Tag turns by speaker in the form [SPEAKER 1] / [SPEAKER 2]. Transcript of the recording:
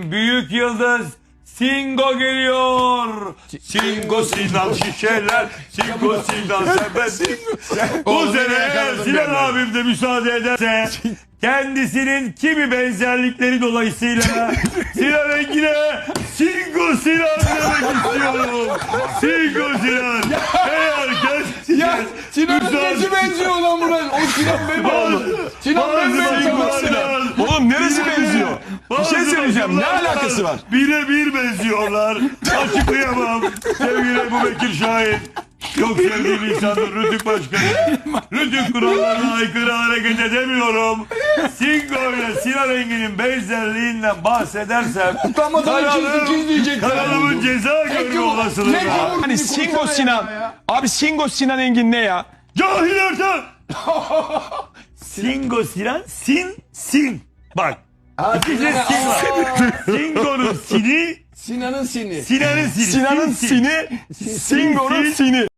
[SPEAKER 1] bir büyük yıldız Singo geliyor. Singo Sinan şişeler. Singo Sinan sepet. Bu sene Sinan abim de müsaade ederse kendisinin kimi benzerlikleri dolayısıyla Sinan Engin'e Singo Sinan demek istiyorum. Singo Sinan.
[SPEAKER 2] Ya Sinan nesi benziyor lan buna? O Sinan Beyoğlu. Sinan Beyoğlu.
[SPEAKER 3] Oğlum neresi benziyor? Bir şey söyleyeceğim. Ne alakası var?
[SPEAKER 1] Birebir benziyorlar. Açıklayamam. Sevgili Ebu Bekir Şahin. Çok sevdiğim insandır Rütük Başkanı. Rütük kurallarına aykırı hareket edemiyorum. Singo ile Sinan Engin'in benzerliğinden bahsedersem
[SPEAKER 2] Utanmadan ikiz diyecekler.
[SPEAKER 1] kanalımın ceza görme olasılığı var.
[SPEAKER 3] Hani Singo Sinan. Abi Singo Sinan Engin ne ya?
[SPEAKER 1] Cahil Ertan. Singo Sinan sin. Bak. İkisi sin var. Singo'nun sini.
[SPEAKER 2] Sinan'ın sini.
[SPEAKER 1] Sinan'ın sini.
[SPEAKER 3] Sinan'ın sini, Singo'nun sini.